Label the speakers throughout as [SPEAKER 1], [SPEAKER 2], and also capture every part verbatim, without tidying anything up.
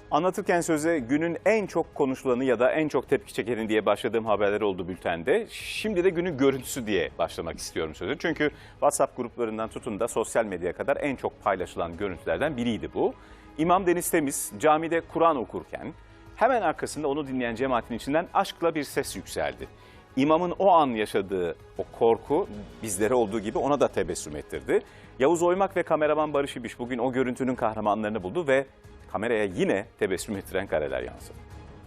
[SPEAKER 1] Anlatırken söze günün en çok konuşulanı ya da en çok tepki çekeni diye başladığım haberler oldu bültende. Şimdi de günün görüntüsü diye başlamak istiyorum sözü. Çünkü WhatsApp gruplarından tutun da sosyal medyaya kadar en çok paylaşılan görüntülerden biriydi bu. İmam Deniz Temiz camide Kur'an okurken hemen arkasında onu dinleyen cemaatin içinden aşkla bir ses yükseldi. İmamın o an yaşadığı o korku bizlere olduğu gibi ona da tebessüm ettirdi. Yavuz Oymak ve kameraman Barış İbiş bugün o görüntünün kahramanlarını buldu ve kameraya yine tebessüm ettiren kareler yansıdı.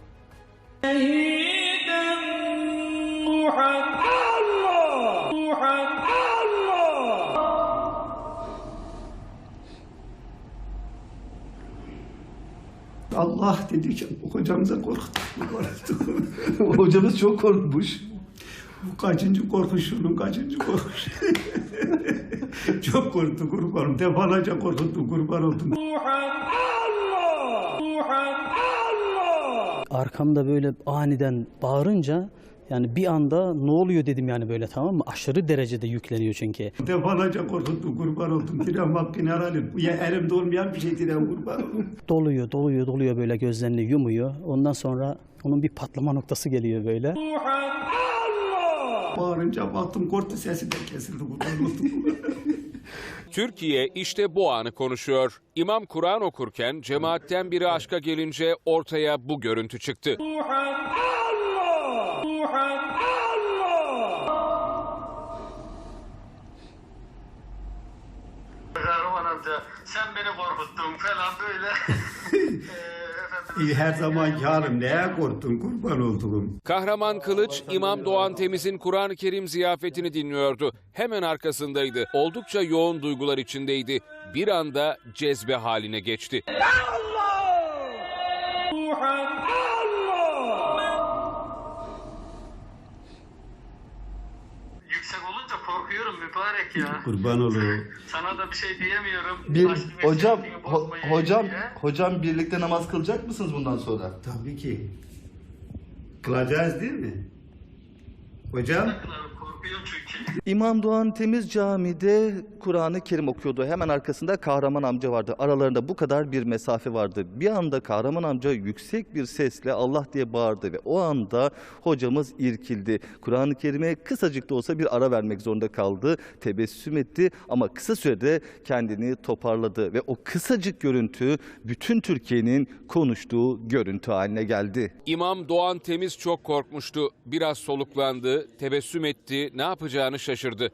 [SPEAKER 2] Allah dedikçe hocamıza korktuk.
[SPEAKER 3] Hocamız çok korkmuş.
[SPEAKER 2] Bu kaçıncı korkuş, şunun kaçıncı korkuş. Çok korktu kurbanım. Defalarca korkuttu kurban oldum.
[SPEAKER 4] Arkamda böyle aniden bağırınca yani bir anda ne oluyor dedim yani böyle, tamam mı? Aşırı derecede yükleniyor çünkü.
[SPEAKER 2] Defalarca korkuttu kurban oldum. Diren hakkını helal. Ya elimde olmayan bir şey diren kurban oldum.
[SPEAKER 4] Doluyor, doluyor, doluyor böyle, gözlerini yumuyor. Ondan sonra onun bir patlama noktası geliyor böyle.
[SPEAKER 2] Bağırınca baktım korktu, sesi de kesildi kurban oldum.
[SPEAKER 5] Türkiye işte bu anı konuşuyor. İmam Kur'an okurken cemaatten biri aşka gelince ortaya bu görüntü çıktı.
[SPEAKER 6] Kahraman amca sen beni korkuttun falan böyle.
[SPEAKER 2] İyi, her zamanki halim, neye korktun kurban oldum.
[SPEAKER 5] Kahraman Kılıç, İmam Doğan Temiz'in Kur'an-ı Kerim ziyafetini dinliyordu. Hemen arkasındaydı. Oldukça yoğun duygular içindeydi. Bir anda cezbe haline geçti.
[SPEAKER 6] Yüksek olunca korkuyorum mübarek ya.
[SPEAKER 2] Kurban olayım.
[SPEAKER 6] Sana da bir şey diyemiyorum.
[SPEAKER 3] Bir,
[SPEAKER 6] Aşkı
[SPEAKER 3] hocam,
[SPEAKER 6] meşrebini
[SPEAKER 3] ho-
[SPEAKER 6] bozmayayım
[SPEAKER 3] hocam,
[SPEAKER 6] diye.
[SPEAKER 3] hocam birlikte namaz kılacak mısınız bundan sonra?
[SPEAKER 2] Tabii ki. Kılacağız değil mi? Hocam?
[SPEAKER 6] Korkuyorum çünkü.
[SPEAKER 3] İmam Doğan Temiz camide Kur'an-ı Kerim okuyordu. Hemen arkasında Kahraman amca vardı. Aralarında bu kadar bir mesafe vardı. Bir anda Kahraman amca yüksek bir sesle Allah diye bağırdı ve o anda hocamız irkildi. Kur'an-ı Kerim'e kısacık da olsa bir ara vermek zorunda kaldı. Tebessüm etti ama kısa sürede kendini toparladı ve o kısacık görüntü bütün Türkiye'nin konuştuğu görüntü haline geldi.
[SPEAKER 5] İmam Doğan Temiz çok korkmuştu. Biraz soluklandı, tebessüm etti, ne yapacağını şaşırdı.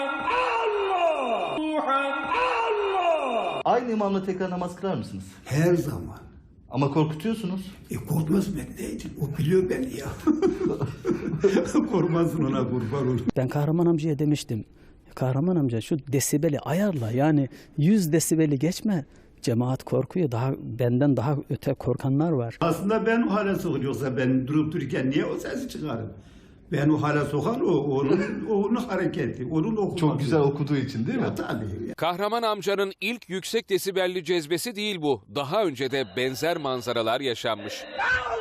[SPEAKER 3] Aynı imamla tekrar namaz kılar mısınız?
[SPEAKER 2] Her zaman.
[SPEAKER 3] Ama korkutuyorsunuz.
[SPEAKER 2] E korkmaz ben neydim? O biliyor beni ya. Korkmasın ona kurban olayım.
[SPEAKER 4] Ben Kahraman amcaya demiştim. Kahraman amca şu desibeli ayarla, yani yüz desibeli geçme. Cemaat korkuyor. Daha benden daha öte korkanlar var.
[SPEAKER 2] Aslında ben o hale sokuyorum. Yoksa ben durup dururken niye o sesi çıkarım? Ben o hale sokan o, onun, onun hareketi, onun okuması.
[SPEAKER 3] Çok güzel okuduğu için değil mi?
[SPEAKER 2] Ya, tabii.
[SPEAKER 5] Kahraman amcanın ilk yüksek desibelli cezbesi değil bu. Daha önce de benzer manzaralar yaşanmış.